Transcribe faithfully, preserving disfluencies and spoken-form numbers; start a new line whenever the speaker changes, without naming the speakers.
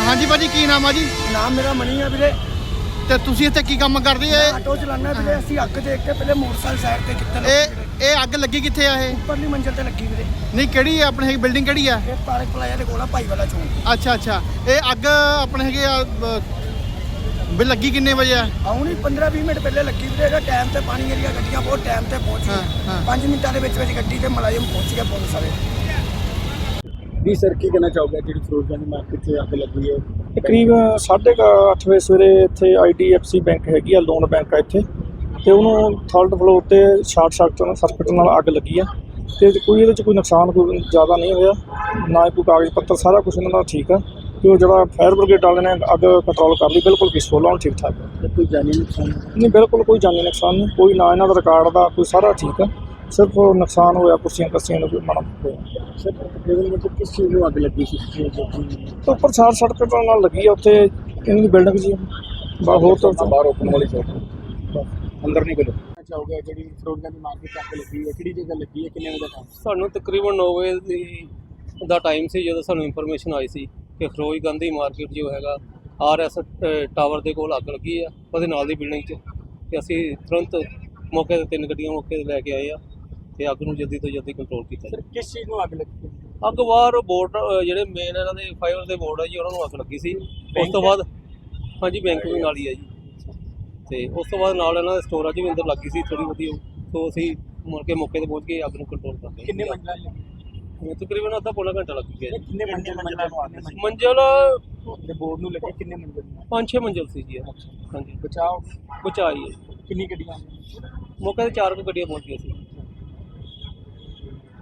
ਹਾਂਜੀ ਭਾਜੀ ਕੀ ਨਾਮ ਆ ਜੀ?
ਨਾਮ ਮੇਰਾ ਮਨੀ ਆ ਵੀਰੇ।
ਤੇ ਤੁਸੀਂ ਇੱਥੇ ਕੀ ਕੰਮ ਕਰਦੇ ਆ?
ਆਟੋ ਚਲਾਉਣਾ ਵੀਰੇ। ਅਸੀਂ ਅੱਗ ਦੇਖ ਕੇ ਪਹਿਲੇ ਮੋਟਰਸਾਈਕਲ ਸਾਈਡ ਤੇ ਕੀਤਾ।
ਇਹ ਇਹ ਅੱਗ ਲੱਗੀ ਕਿੱਥੇ ਆ? ਇਹ
ਉੱਪਰਲੀ ਮੰਜ਼ਿਲ ਤੇ ਲੱਗੀ ਵੀਰੇ।
ਨਹੀਂ ਕਿਹੜੀ ਆਪਣੇ ਹੈਗੀ ਬਿਲਡਿੰਗ ਕਿਹੜੀ ਆ?
ਇਹ ਪਾਰਕ ਪਲਾਜ਼ਾ ਦੇ ਕੋਲ ਆ ਭਾਈ ਵਾਲਾ ਚੌਂਕ।
ਅੱਛਾ ਅੱਛਾ ਇਹ ਅੱਗ ਆਪਣੇ ਹੈਗੇ ਆ ਵੀ ਲੱਗੀ ਕਿੰਨੇ ਵਜੇ ਆ?
ਆਉਣੀ ਪੰਦਰਾਂ ਵੀਹ ਮਿੰਟ ਪਹਿਲੇ ਲੱਗੀ ਵੀਰੇ। ਇਹਦਾ ਟਾਈਮ ਤੇ ਪਾਣੀ ਏਰੀਆ ਗੱਡੀਆਂ ਬਹੁਤ ਟਾਈਮ ਤੇ ਪਹੁੰਚ ਗਈਆਂ। ਪੰਜ ਮਿੰਟਾਂ ਦੇ ਵਿੱਚ ਵਿੱਚ ਗੱਡੀ ਤੇ ਮੁਲਾਜ਼ਮ ਪਹੁੰਚ ਗਿਆ ਪੁਲਿਸ ਵਾਲੇ।
ਵੀ ਸਰ ਕੀ ਕਹਿਣਾ ਚਾਹੋਗੇ ਜਿਹੜੀ ਫਿਰੋਜ਼ਗੰਜ ਮਾਰਕੀਟ 'ਚ ਅੱਗ ਲੱਗੀ ਹੈ?
ਤਕਰੀਬ ਸਾਢੇ ਕੁ ਅੱਠ ਵਜੇ ਸਵੇਰੇ ਇੱਥੇ I D F C bank ਹੈਗੀ ਆ, ਲੋਨ ਬੈਂਕ ਆ ਇੱਥੇ, ਅਤੇ ਉਹਨੂੰ ਥਰਡ ਫਲੋਰ 'ਤੇ ਸ਼ਾਰਟ ਸਰਕਟ ਸਰਕਟ ਨਾਲ ਅੱਗ ਲੱਗੀ ਆ। ਅਤੇ ਕੋਈ ਇਹਦੇ 'ਚ ਕੋਈ ਨੁਕਸਾਨ ਕੋਈ ਜ਼ਿਆਦਾ ਨਹੀਂ ਹੋਇਆ, ਨਾ ਕੋਈ ਕਾਗਜ਼ ਪੱਤਰ, ਸਾਰਾ ਕੁਛ ਇਹਨਾਂ ਦਾ ਠੀਕ ਆ। ਅਤੇ ਉਹ ਜਿਹੜਾ ਫਾਇਰ ਬ੍ਰਿਗੇਡ ਵਾਲੇ ਨੇ ਅੱਗ ਕੰਟਰੋਲ ਕਰ ਲਈ, ਬਿਲਕੁਲ ਪੀਸਫੁਲ ਆ, ਠੀਕ ਠਾਕ ਆ।
ਕੋਈ ਜਾਨੀ ਨੁਕਸਾਨ
ਨਹੀਂ, ਬਿਲਕੁਲ ਕੋਈ ਜਾਨੀ ਨੁਕਸਾਨ ਨਹੀਂ, ਕੋਈ ਨਾ ਇਹਨਾਂ ਦਾ ਰਿਕਾਰਡ ਦਾ ਕੋਈ, ਸਾਰਾ ਠੀਕ ਆ। ਸਿਰਫ ਨੁਕਸਾਨ ਹੋਇਆ ਕੁਰਸੀਆਂ ਕੱਸੀਆਂ ਨੂੰ ਕੋਈ ਮਾੜਾ ਹੋਇਆ।
ਸਰ ਤਕਰੀਬਨ ਮਤਲਬ ਕਿਸ ਚੀਜ਼ ਨੂੰ ਅੱਗ ਲੱਗੀ ਸੀ?
ਤੇ ਉੱਪਰ ਸ਼ਾਰਟ ਸਰਕਟ ਨਾਲ ਲੱਗੀ ਆ ਉੱਥੇ ਇਹਨਾਂ ਦੀ ਬਿਲਡਿੰਗ ਜੀ, ਬਾ ਹੋਰ ਤਾਂ
ਬਾਹਰ ਓਪਨ ਵਾਲੀ ਸਾਈਡ ਅੰਦਰ ਨਹੀਂ ਗਏ। ਚਾਹੋਗੇ ਜਿਹੜੀ ਫਿਰੋਜ਼ਗੰਜ ਮਾਰਕੀਟ 'ਚ ਅੱਗ ਲੱਗੀ ਹੈ ਕਿਹੜੀ ਜਗ੍ਹਾ ਲੱਗੀ ਹੈ, ਕਿੰਨੇ ਵਜੇ ਦਾ ਟਾਈਮ?
ਸਾਨੂੰ ਤਕਰੀਬਨ ਨੌ ਵਜੇ ਦੀ ਦਾ ਟਾਈਮ ਸੀ ਜਦੋਂ ਸਾਨੂੰ ਇਨਫੋਰਮੇਸ਼ਨ ਆਈ ਸੀ ਕਿ ਫਿਰੋਜ਼ਗੰਜ ਦੀ ਮਾਰਕੀਟ ਜੋ ਹੈਗਾ ਆਰ ਐਸ ਟਾਵਰ ਦੇ ਕੋਲ ਅੱਗ ਲੱਗੀ ਆ, ਉਹਦੇ ਨਾਲ ਦੀ ਬਿਲਡਿੰਗ 'ਚ। ਅਤੇ ਅਸੀਂ ਤੁਰੰਤ ਮੌਕੇ 'ਤੇ ਤਿੰਨ ਗੱਡੀਆਂ ਮੌਕੇ 'ਤੇ ਲੈ ਕੇ ਆਏ ਆ ਅਤੇ ਅੱਗ ਨੂੰ ਜਲਦੀ ਤੋਂ ਜਲਦੀ ਕੰਟਰੋਲ ਕੀਤਾ।
ਸਰ ਕਿਸ ਚੀਜ਼ ਨੂੰ ਅੱਗ ਲੱਗੀ?
ਅੱਗ ਬਾਹਰ ਬੋਰਡ ਜਿਹੜੇ ਮੇਨ ਇਹਨਾਂ ਦੇ ਫਾਈਬਰ ਦੇ ਬੋਰਡ ਆ ਜੀ, ਉਹਨਾਂ ਨੂੰ ਅੱਗ ਲੱਗੀ ਸੀ। ਉਸ ਤੋਂ ਬਾਅਦ ਹਾਂਜੀ ਬੈਂਕ ਵੀ ਨਾਲ ਹੀ ਆ ਜੀ, ਅਤੇ ਉਸ ਤੋਂ ਬਾਅਦ ਨਾਲ ਇਹਨਾਂ ਦੇ ਸਟੋਰਾਂ 'ਚ ਵੀ ਅੰਦਰ ਲੱਗੀ ਸੀ ਥੋੜ੍ਹੀ ਬਹੁਤੀ। ਸੋ ਅਸੀਂ ਮੁੜ ਕੇ ਮੌਕੇ 'ਤੇ ਪਹੁੰਚ ਕੇ ਅੱਗ ਨੂੰ ਕੰਟਰੋਲ ਕਰ ਲਿਆ।
ਕਿੰਨੇ ਮੰਜ਼ਿਲਾਂ ਲੱਗੀ?
ਤਕਰੀਬਨ ਅੱਧਾ ਪੌਣਾ ਘੰਟਾ ਲੱਗ ਗਿਆ ਜੀ।
ਕਿੰਨੇ ਮੰਜ਼ਿਲ ਮੰਜ਼ਿਲਾਂ ਨੂੰ ਅੱਗ ਲੱਗੀ?
ਮੰਜ਼ਿਲ
ਤੇ ਬੋਰਡ ਨੂੰ ਲੱਗੀ ਕਿੰਨੇ ਮੰਜ਼ਿਲ?
ਪੰਜ ਛੇ ਮੰਜ਼ਿਲ ਸੀ ਜੀ ਇਹ। ਹਾਂਜੀ
ਬਚਾਓ
ਬਚਾਈ ਹੈ।
ਕਿੰਨੀ ਗੱਡੀਆਂ?
ਮੌਕੇ 'ਤੇ ਚਾਰ ਕੁ ਗੱਡੀਆਂ ਪਹੁੰਚ ਗਈਆਂ ਸੀ।